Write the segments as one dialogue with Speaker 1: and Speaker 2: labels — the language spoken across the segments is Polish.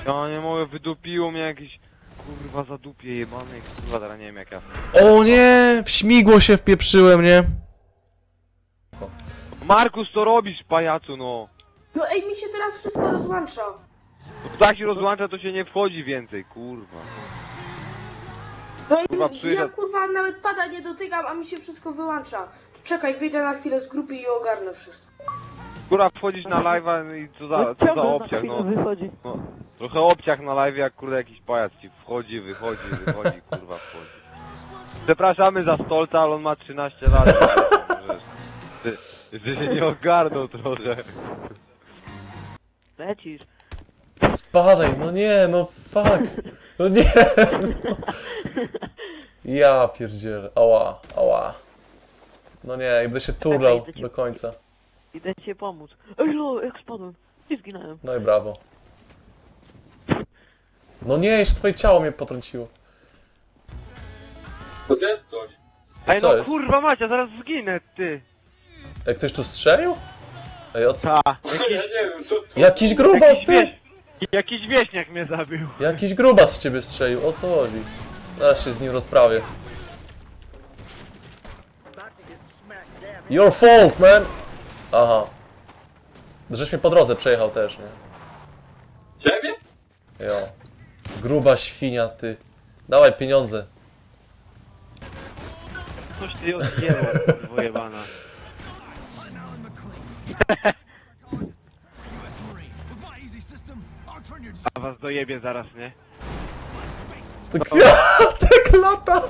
Speaker 1: Ja nie mogę, wydupiło mnie jakieś... Kurwa zadupie jebane, kurwa, teraz nie wiem jak ja...
Speaker 2: O nie! W śmigło się wpieprzyłem, nie?
Speaker 1: Markus, co robisz, pajacu, no?
Speaker 3: No ej, mi się teraz wszystko rozłącza.
Speaker 1: No tak się rozłącza, to się nie wchodzi więcej, kurwa.
Speaker 3: No i
Speaker 1: Kurwa,
Speaker 3: ja
Speaker 1: przyjdę.
Speaker 3: kurwa nawet pada nie dotykam, a mi się wszystko wyłącza. Czekaj, wyjdę na chwilę z grupy i ogarnę wszystko.
Speaker 1: Kurwa, wchodzisz na live'a i co za obciach, no. No. Trochę obciach na live, jak kurde jakiś pajac ci wchodzi, wychodzi, kurwa wchodzi. Przepraszamy za Stolca, ale on ma 13 lat. Że się nie ogarnął trochę.
Speaker 4: Lecisz.
Speaker 2: Spadaj, no nie, no fuck. No nie, no. Ja pierdzielę, ała, ała. No nie, będę się turlał do końca.
Speaker 4: Idę ci pomóc. Ej no, jak spadłem. I zginąłem.
Speaker 2: No i brawo. No nie, jeszcze twoje ciało mnie potrąciło.
Speaker 5: Zjedz coś.
Speaker 1: Ej
Speaker 2: co
Speaker 1: no
Speaker 2: jest?
Speaker 1: kurwa Macia, zaraz zginę, ty.
Speaker 2: Jak ktoś tu strzelił? Ej, o co?
Speaker 1: Ta.
Speaker 5: Ja nie wiem, co to...
Speaker 2: Jakiś grubas, ty!
Speaker 1: Jakiś wieśniak mnie zabił.
Speaker 2: Jakiś grubas w ciebie strzelił, o co chodzi? Zaraz się z nim rozprawię. Your fault, man! Aha. Żeś mnie po drodze przejechał też, nie?
Speaker 5: Ciebie?
Speaker 2: Jo. Gruba świnia, ty. Dawaj pieniądze.
Speaker 1: Coś ty odjęło, kurwa jebana. A was dojebie zaraz, nie?
Speaker 2: To kwiatek lata!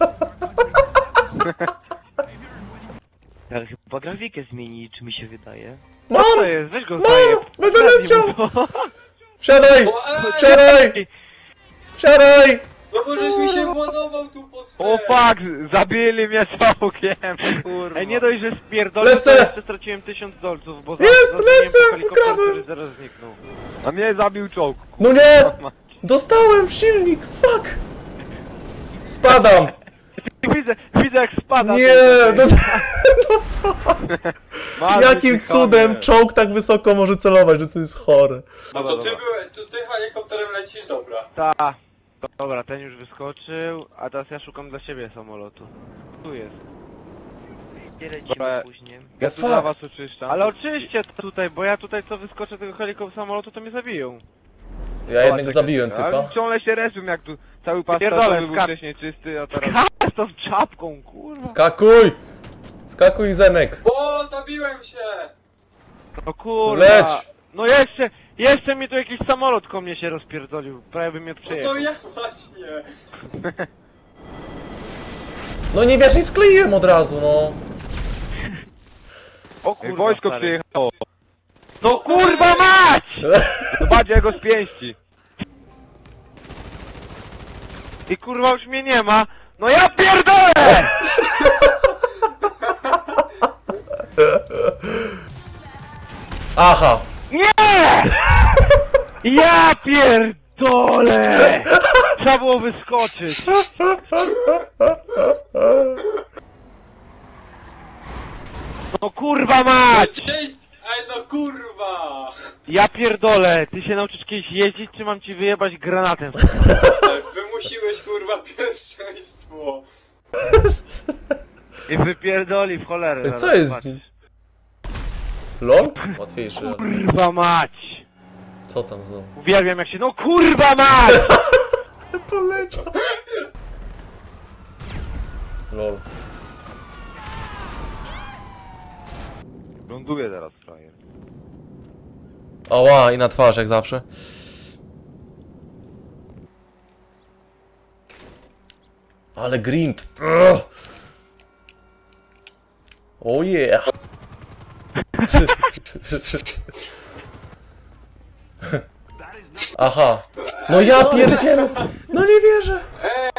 Speaker 4: Ale chyba grafikę zmieni, czy mi się wydaje.
Speaker 2: Mam!
Speaker 1: Co jest? Weź go
Speaker 2: Mam!
Speaker 1: zajeb.
Speaker 2: Będę
Speaker 1: Zabij
Speaker 2: leciał!
Speaker 1: mu to.
Speaker 2: Wsiadaj!
Speaker 5: O,
Speaker 2: Wsiadaj! Wsiadaj!
Speaker 5: no bo żeś mi się władował tu pod
Speaker 1: O fuck! Zabili mnie całkiem!
Speaker 4: Kurwa.
Speaker 1: Ej, nie dość, że spierdolę,
Speaker 2: Lecę!
Speaker 1: to jeszcze straciłem 1000 dolców, bo
Speaker 2: Jest,
Speaker 1: zadzwoniłem
Speaker 2: lecę!
Speaker 1: po helikopter,
Speaker 2: Ukradłem!
Speaker 1: który zaraz zniknął. A mnie zabił czołg.
Speaker 2: No nie! Dostałem w silnik! Fuck! Spadam!
Speaker 1: Widzę jak spada.
Speaker 2: Nie!
Speaker 1: ten
Speaker 2: No,
Speaker 1: tutaj.
Speaker 2: no fuck!
Speaker 1: Masz
Speaker 2: Jakim
Speaker 1: wyciekamy.
Speaker 2: cudem czołg tak wysoko może celować, że to jest chore.
Speaker 5: No
Speaker 1: Dobra,
Speaker 5: to ty,
Speaker 1: dobra.
Speaker 5: ty helikopterem lecisz, dobra.
Speaker 1: Ta. Dobra, ten już wyskoczył, a teraz ja szukam dla siebie samolotu. Tu jest.
Speaker 4: Gdzie lecimy
Speaker 1: Dobra.
Speaker 4: później?
Speaker 1: Ja
Speaker 2: No
Speaker 1: tu
Speaker 2: fuck.
Speaker 1: dla was oczyszczam. Ale oczyście to tutaj, bo ja tutaj co wyskoczę tego samolotu, to mnie zabiją.
Speaker 2: Ja jednego zabiłem, typa.
Speaker 1: Ale ciągle się reżim jak tu cały pas był wcześniej czysty, a teraz... Skacz to z czapką, kurwa!
Speaker 2: Skakuj! Skakuj, Zenek!
Speaker 5: O, zabiłem się!
Speaker 1: No kurwa!
Speaker 2: Leć!
Speaker 1: No jeszcze mi tu jakiś samolot ko mnie się rozpierdolił, prawie by mnie
Speaker 5: No
Speaker 1: przejechał.
Speaker 5: to ja właśnie.
Speaker 2: No nie wiesz, i skleiłem od razu, no.
Speaker 4: O
Speaker 1: Ej,
Speaker 4: kurwa,
Speaker 1: wojsko
Speaker 4: stary.
Speaker 1: przyjechało. No kurwa mać! Zobaczcie jak go spięści. I kurwa już mnie nie ma. No ja pierdolę!
Speaker 2: Aha!
Speaker 1: Nie! Ja pierdolę! Trzeba było wyskoczyć. No kurwa mać!
Speaker 5: Ej, no kurwa!
Speaker 1: Ja pierdolę, ty się nauczysz kiedyś jeździć, czy mam ci wyjebać granatem?
Speaker 5: Wymusiłeś kurwa pierwszeństwo.
Speaker 1: I wypierdoli w cholerę.
Speaker 2: Ej,
Speaker 1: zaraz
Speaker 2: co jest z
Speaker 1: zobaczysz.
Speaker 2: nim? LOL? Łatwiejszy, ale...
Speaker 1: Kurwa mać!
Speaker 2: Co tam znowu?
Speaker 1: Uwielbiam jak się... No kurwa mać!
Speaker 2: Poleciał! LOL.
Speaker 1: Ląduje teraz frajer.
Speaker 2: Ała, i na twarz jak zawsze. Ale grind. Ugh. Oh yeah. Aha. No ja pierdzielę. No nie wierzę.